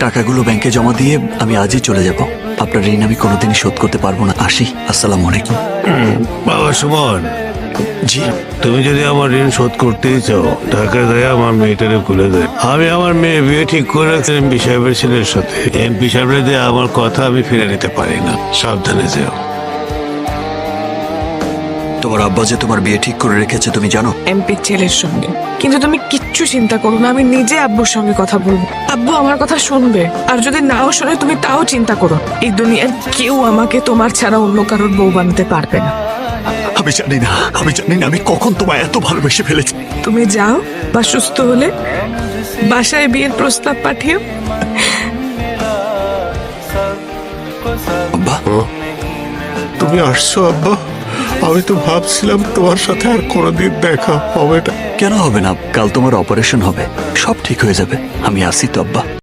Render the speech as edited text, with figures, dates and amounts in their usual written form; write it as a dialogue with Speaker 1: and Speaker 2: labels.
Speaker 1: টাকাগুলো ব্যাংকে জমা দিয়ে আমি আজই চলে যাব। আপনার ঋণ আমি কোনোদিনই শোধ করতে পারবো না। আসি। আসসালামু আলাইকুম।
Speaker 2: বাবা সুমন,
Speaker 1: জি।
Speaker 2: তুমি যদি আমার ঋণ শোধ করতেই চাও, টাকা দেয় আমার মেয়েটারে খুলে দেয়। আমি আমার মেয়ে বিয়ে ঠিক করে রাখছি এমপি সাহেবের ছেলের সাথে। এমপি সাহেবের দিয়ে আমার কথা আমি ফিরে নিতে পারি না। সাবধানে যেও।
Speaker 1: তোমার আব্বা যে তোমার বিয়ে ঠিক করে রেখেছে তুমি জানো?
Speaker 3: এমপির ছেলের সঙ্গে। কিন্তু তুমি কিচ্ছু চিন্তা করো না, আমি নিজে আব্বুর সঙ্গে কথা বলবো। আব্বু আমার কথা শুনবে, আর যদি নাও শোনে তুমি তাও চিন্তা করো। এই দুনিয়ার কেউ আমাকে তোমার ছাড়া অন্য কারোর বউ বানাতে পারবে না।
Speaker 1: আমি জানি না আমি কখন তোমায় এত ভালোবেসে ফেলেছি।
Speaker 3: তুমি যাও, বা সুস্থ হলে বাসায় বিয়ের প্রস্তাব পাঠিও।
Speaker 1: আব্বা,
Speaker 4: তুমি আসছো আব্বা? আমি তো ভাবছিলাম তোমার সাথে আর কোনোদিন দেখা হবে না।
Speaker 1: কেন হবে না? কাল তোমার অপারেশন হবে, সব ঠিক হয়ে যাবে। আমি আসি তো আব্বা।